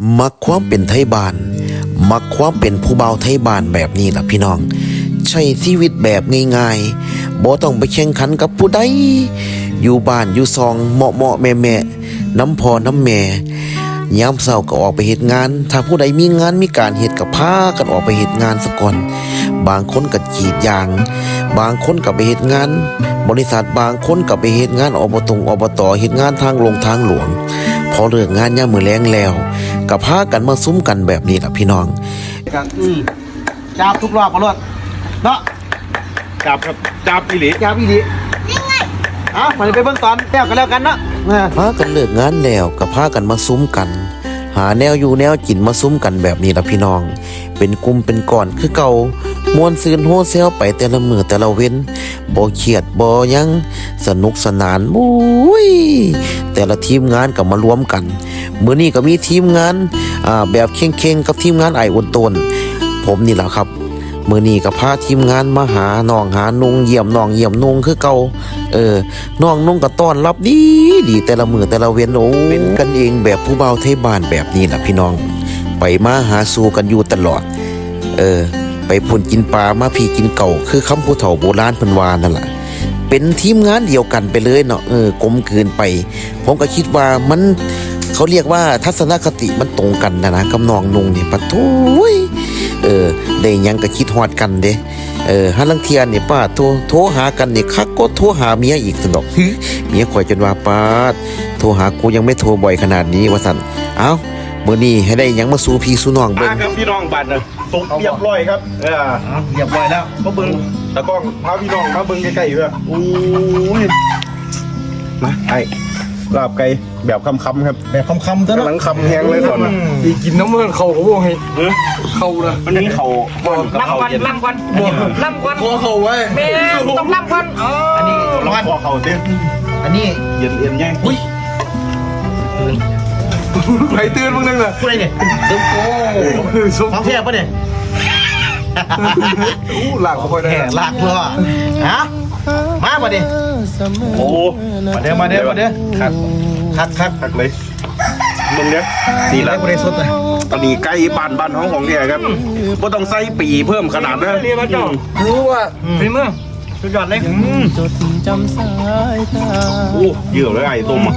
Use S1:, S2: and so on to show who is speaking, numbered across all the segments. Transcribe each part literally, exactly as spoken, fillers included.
S1: มักความเป็นไทยบ้านมักความเป็นผู้เบาไทยบ้านแบบนี้ล่ะพี่น้องใช้ชีวิตแบบง่ายๆบ่ต้องไปแข่งขันกับผู้ใดอยู่บ้านอยู่ซองเหมาะเหมาะแม่แม่น้ำพอน้ำแม่ยามเช้าก็ออกไปเฮ็ดงานถ้าผู้ใดมีงานมีการเฮ็ดก็พากันออกไปเฮ็ดงานซะก่อนบางคนก็กรีดยางบางคนก็ไปเฮ็ดงานบริษัทบางคนก็ไปเฮ็ดงานอบตอบตเฮ็ดงานทางลงทางหลวงพอเลิกงานยามมื้อแลงแล้วก็พากันมาซุ้มกันแบบนี้ล่ะพี่น้อง
S2: กันอืมจับทุกรอบมาลดเนาะ
S3: จับครับจับอีหลี
S2: จับอีหลีเอ้ามาไปเบิ่งตอนแล้วกันแล้วกันเนาะ
S1: พากันเลิกงานแล้วก็พากันมาซุ้มกันหาแนวอยู่แนวกินมาซุ้มกันแบบนี้ล่ะพี่น้องเป็นกลุ่มเป็นก้อนคือเก่ามวนซืนโฮเซลไปแต่ละมื้อแต่ละเว้นบ่เครียดบ่หยังสนุกสนานมุ้ยแต่ละทีมงานก็มารวมกันมื้อนี้ก็มีทีมงานอ่าแบบเข่งๆกับทีมงานไอ้อุ่นต้นผมนี่ล่ะครับมื้อนี้ก็พาทีมงานมาหาน้องหานุงเยี่ยมน้องเยี่ยมนุงคือเก่าเออน้องนุงก็ต้อนรับดีดีแต่ละมื้อแต่ละเว้นโอ้เป็นกันเองแบบผู้เบาไทยบ้านแบบนี้ล่ะพี่น้องไปมาหาสู่กันอยู่ตลอดเออไปพุ่นกินปลามาพี่กินเก่าคือคำผู้เฒ่าโบราณเพิ่นว่านั่นล่ะเป็นทีมงานเดียวกันไปเลยเนาะเออกลมกลืนไปผมก็คิดว่ามันเขาเรียกว่าทัศนคติมันตรงกันนะนะกับน้องนุงนี่ปะโถ่เออได้หยังก็คิดฮอดกันเด้เออหาลังเทียนนี่ป้าโทรโทรหากันนี่คักก็โทรหาเมียอีกสนอกเมียข่อยจนว่าป้าโทรหากูยังไม่โทรบ่อยขนาดนี้ว่าซั่นเอ้ามื้อนี้ให้ได้หยังมาสู่พี่สู่น้องเบิ่ง
S3: ครับพี่น้องบัดน่ะสุกเรียบร้อยครับเออ
S2: เรียบร้อยแล้ว
S3: มาเบิ่งตะกล้องพาพี่น้องมาเบิ่งใกล้ๆเด้อโอ้ยมาไอ้ลาบไก่แบบคำๆครับ
S2: แบบคำๆตัว
S3: เนาะกำลังคำแห้งเลยก่อน
S4: ดีกินน้ำมันเขาเขาบอกให้เขานะ
S3: มันนี่เขา
S5: ล่ำวันล่ำวันล่ำวัน
S4: พอเขาไว้
S5: แม่ต้องล่ำวัน
S3: อันนี้ร้อนพอเขาเต้น
S2: อันนี้
S3: เย็นเย็นแย่ง
S2: อุ้ย
S4: ไหลเตือนมึงนั่งน่ะ
S2: พูดอะไรเนี่ยซุปโก้ท้องแทบปะเนี่ย
S4: อู้หลักค่อยได้
S2: หลักเพื่อฮะมาปะเนี่ย
S3: โอ้
S2: มาเด้อมาเด้อมาเด้อคักคักคัก
S3: คักเลยมึงเนี้ย
S2: สี่ร้อยบริสุทธิ์เลย
S3: ตอนนี้ใกล้บ้านบ้านห้องของเนี่ยครับก็ต้องใส่ปีเพิ่มขนาดนั้น
S5: เรียนมาจ่อ
S4: รู้ว่า
S5: ฝีมือ
S2: สุดยอดเลย
S6: จดจำสายตา
S3: โอ้เยอะเลยไอ้ต้มอ่ะ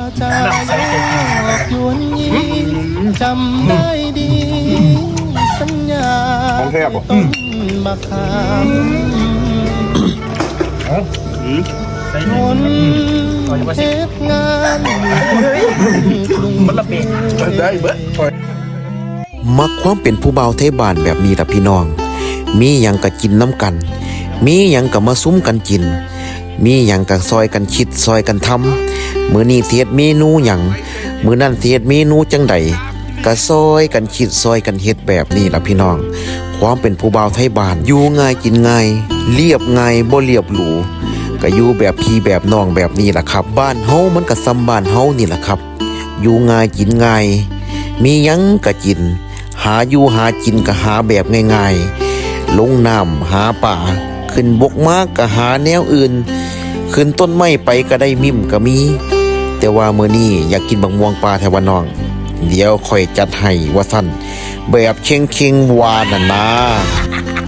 S6: จำได้ดีสัญญา
S3: ของแทบอ่ะ
S6: มาคามคนเทศงาน
S2: มันระเบิด
S4: ได้เบิด
S1: มักความเป็นผู้เบาไทยบ้านแบบนี้ล่ะพี่น้องมีหยังก็กินน้ำกันมีหยังก็มาซุ้มกันกินมีหยังก็ซอยกันคิดซอยกันทำมื้อนี้เสียดเมนูหยังมื้อนั้นเสียดเมนูจังใดก็ซอยกันคิดซอยกันเฮ็ดแบบนี้ล่ะพี่น้องความเป็นผู้เบาไทยบ้านอยู่ง่ายกินง่ายเรียบง่ายบ่เรียบหรูก็อยู่แบบพี่แบบน้องแบบนี้ล่ะครับบ้านเฮามันก็ซ้ำบ้านเฮานี่ล่ะครับอยู่ง่ายกินง่ายมีหยังก็กินหาอยู่หากินก็หาแบบง่ายๆลงน้ำหาป่าขึ้นบกมากก็หาแนวอื่นขึ้นต้นไม้ไปก็ได้มิ่มก็มีแต่ว่ามื้อนี้อยากกินบักม่วงปลาแถวน้องเดี๋ยวค่อยจัดให้ว่าซั่นแบบเค็งๆวานั่นนะ